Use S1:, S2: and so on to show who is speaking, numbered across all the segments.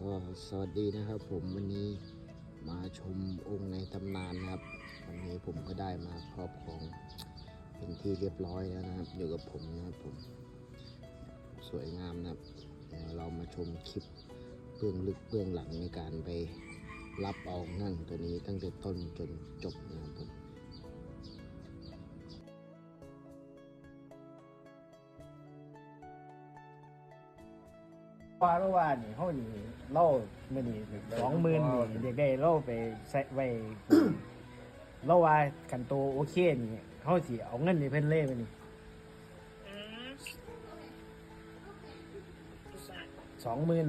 S1: ก็สวัสดีนะครับผมวันนี้มาชมองค์ในตำนานนะครับวันนี้ผมก็ได้มาครอบครองเป็นที่เรียบร้อยแล้วนะครับอยู่กับผมนะครับผมสวยงามนะครับเดี๋ยวเรามาชมคลิปเบื้องลึกเบื้องหลังในการไปรับเอางั่งตัวนี้ตั้งแต่ต้นจนจบนะครับผม
S2: ว่านี่เขานี่เล่าไม่นี่20,000นี่เด็กได้เล่าไปใส่ไว้ เล่าว่ากันโตโอเคนี่เขาสิเอาเงินนี่เพิ่นเล่ไปนี่20,000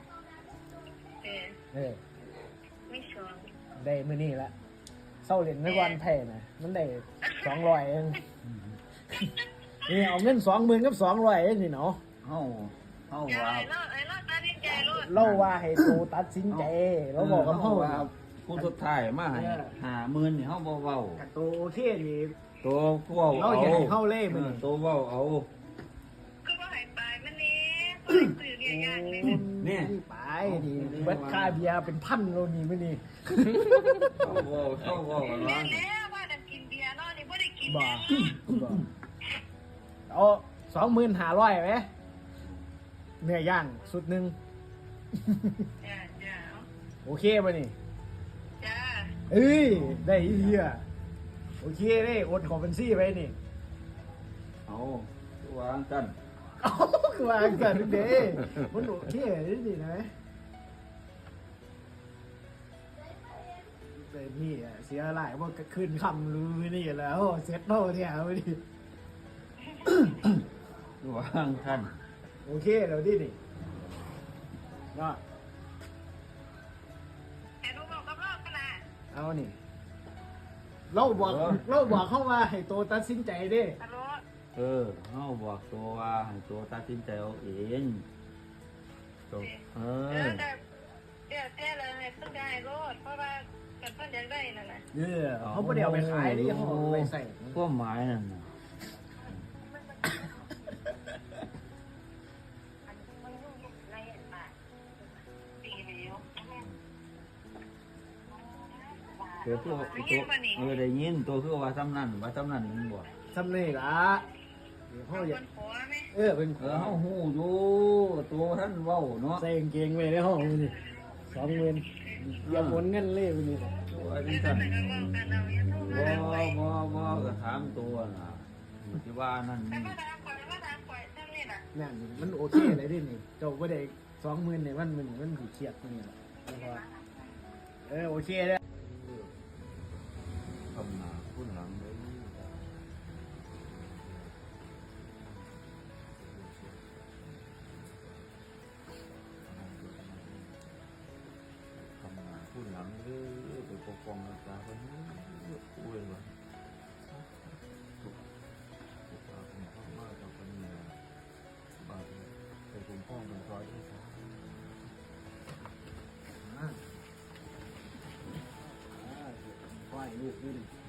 S3: ไม่ชวน
S2: ได้มื้อนี้ละเศร้าเล่นในวันแท้นะมันได้200เองนี่เอาเงิน20,000กับ200เองนี่เนาะ
S4: เฮา
S3: อย่า
S4: ว่า
S3: ไอ้รอดตัดสินใจรอด
S2: เล่าว่าให้โตตัดสินใจเราบอกกับ
S4: เฮา
S2: เขา
S4: ว่าผู้สุดท้ายมาให้50,000นี่เฮาบ่เว้า
S2: กันโตโอเคนี่
S4: ตัวเว้า
S2: เราอยากให้เฮาเล่มันนี่
S4: ตัวเว้าเอา
S3: ก็ว่าหายไปมันนี้สื่อเรียกยากเลย
S4: นี่
S2: ไปนี่เบิดค่าเบียร์เป็นพันโลนี่มื้อนี้
S4: เฮาเว้ากัน
S3: แม่
S4: ว่า
S3: แล้วว่าดันกินเบียร์เนาะนี่ไม่ได้กิน
S2: บ่
S3: นะ
S2: บ่เอา25,000ไหมเนื้อย่างสุดหนึ่ง
S3: จ้า
S2: โอเคป่ะนี่
S3: จ้า
S2: เอ้ยได้อีเหี้ยโอเคได้โอนขอบัญชีไปนี่
S4: เอาตัววางกัน
S2: เอาคือว่ากันเด้มันโอเคนี่นะแต่นี่อะเสียหลายว่าขึ้นคำลือนี่แล้วเซ็ตโน่เนี่ยเอาไปดิ
S4: ตัววางกัน
S2: โอเคแล้วดินี่ก็
S3: แต่ลูกบอกกับรอบขนาด
S2: เอานี่เราบอกเขาว่าให้โตตัดสินใจเด้
S3: ฮัลโหล
S4: เฮาบอกตัวว่าให้ตัวตัดสินใจเอาเองตัว
S3: แต่เดี๋ยวแต่เลยต้องได้รถเพราะว่ากันเพิ่นอยากได้นั่นน่ะ
S2: เขาไม่ได้เอาไปขายดิเขาเอาไปใส่
S4: ความหมายนั่นน่ะ
S3: มันยุ่งในป่าปีแล้ว
S4: ตัวคือได้ยินตัวคือว่าซ้ำนั่นมึงบ่
S2: ทำนี่ละเขา
S3: เอา
S2: อยา
S3: ค
S2: ก
S3: นผัวไหม
S2: เป็น
S4: เฮาฮู้อยู่ตัวท่านเว้าเนาะ
S2: ใส่กางเกงไว้ในห้องนี่20,000อย่าหมุนเงินเล่ไปนี่
S4: ว่าจัง
S3: แต่
S4: ซั่น
S3: ก็ว่ากันเอาอย่าโทรมา
S4: บ่ก็ถามตัวน่ะที่ว่านั่น
S3: แต่
S4: นี่
S3: มาถามก่อนเท่านี้น่ะ
S2: นั่นมันโอเคเลยดินี่เจ้าไม่ได้20,000เนี่ยมันถูกเครียดตรงนี้แหละโอเคเลย
S4: ทำหน้าคุณหลังเลยทำหน้าคุณหลังเลยไปปกป้องรักษาคนนี้อุ้ยว่ะถูกตาคุณพ่อมากต่อคนนี้บาดไปคุณพ่อเป็นร้อยที่สาม
S2: ปล่อยลูกด้วย